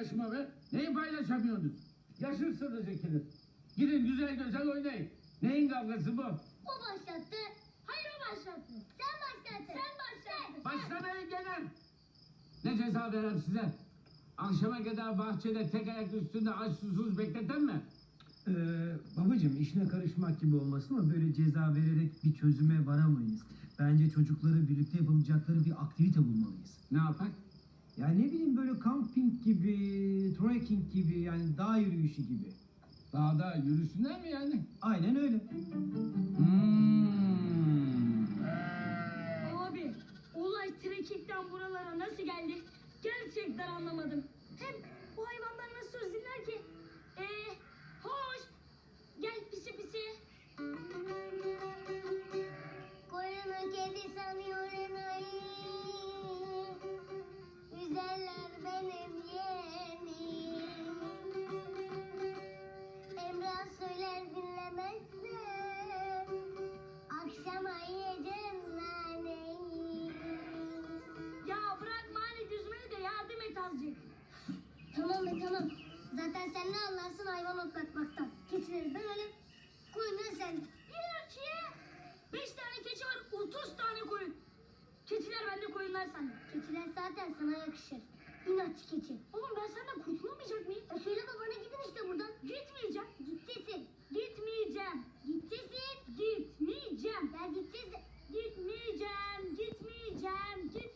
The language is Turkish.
başıma be. Neyi paylaşamıyorsunuz? Yaşırsınız ikiniz. Gidin güzel güzel oynayın. Neyin kavgası bu? O başlattı. Hayır o başlattı. Sen başlattın. Sen başlattın. Başlamayın gene. Ne ceza verem size? Akşama kadar bahçede tek ayak üstünde aç susuz bekleten mi? Babacığım işine karışmak gibi olmasın ama böyle ceza vererek bir çözüme varamayız. Bence çocukları birlikte yapabilecekleri bir aktivite bulmalıyız. Ne yapak? Ya ne bileyim böyle camping gibi, trekking gibi yani dağ yürüyüşü gibi. Dağda yürüsünler mi yani? Aynen öyle. Abi, olay trekkingden buralara nasıl geldi? Gerçekten anlamadım. Hem bu hayvanlar nasıl söz dinler ki? Hoş. Gel pisi pisi. Koyunu kedi sanıyorum ay. Güzeller benim yeğenim. Emrah söyler dinlemezsem akşama yiyeceğim naneyi. Ya bırak mani düzmeyi de yardım et azıcık. Tamam be tamam. Zaten sen ne anlarsın hayvan otlatmaktan. Keçileri ben öyle koyunları sen. Bir ki 5 tane keçi var, 30 tane koyun. Keçiler bende, koyunlar sende. Keçiler zaten sana yakışır. İnatçı keçi. Oğlum ben senden kurtulamayacak mıyım? Söyle babana gidin işte buradan. Gitmeyeceğim. Gittesin. Gitmeyeceğim. Gittesin. Gitmeyeceğim. Ya gittesin. Gitmeyeceğim. Gitmeyeceğim.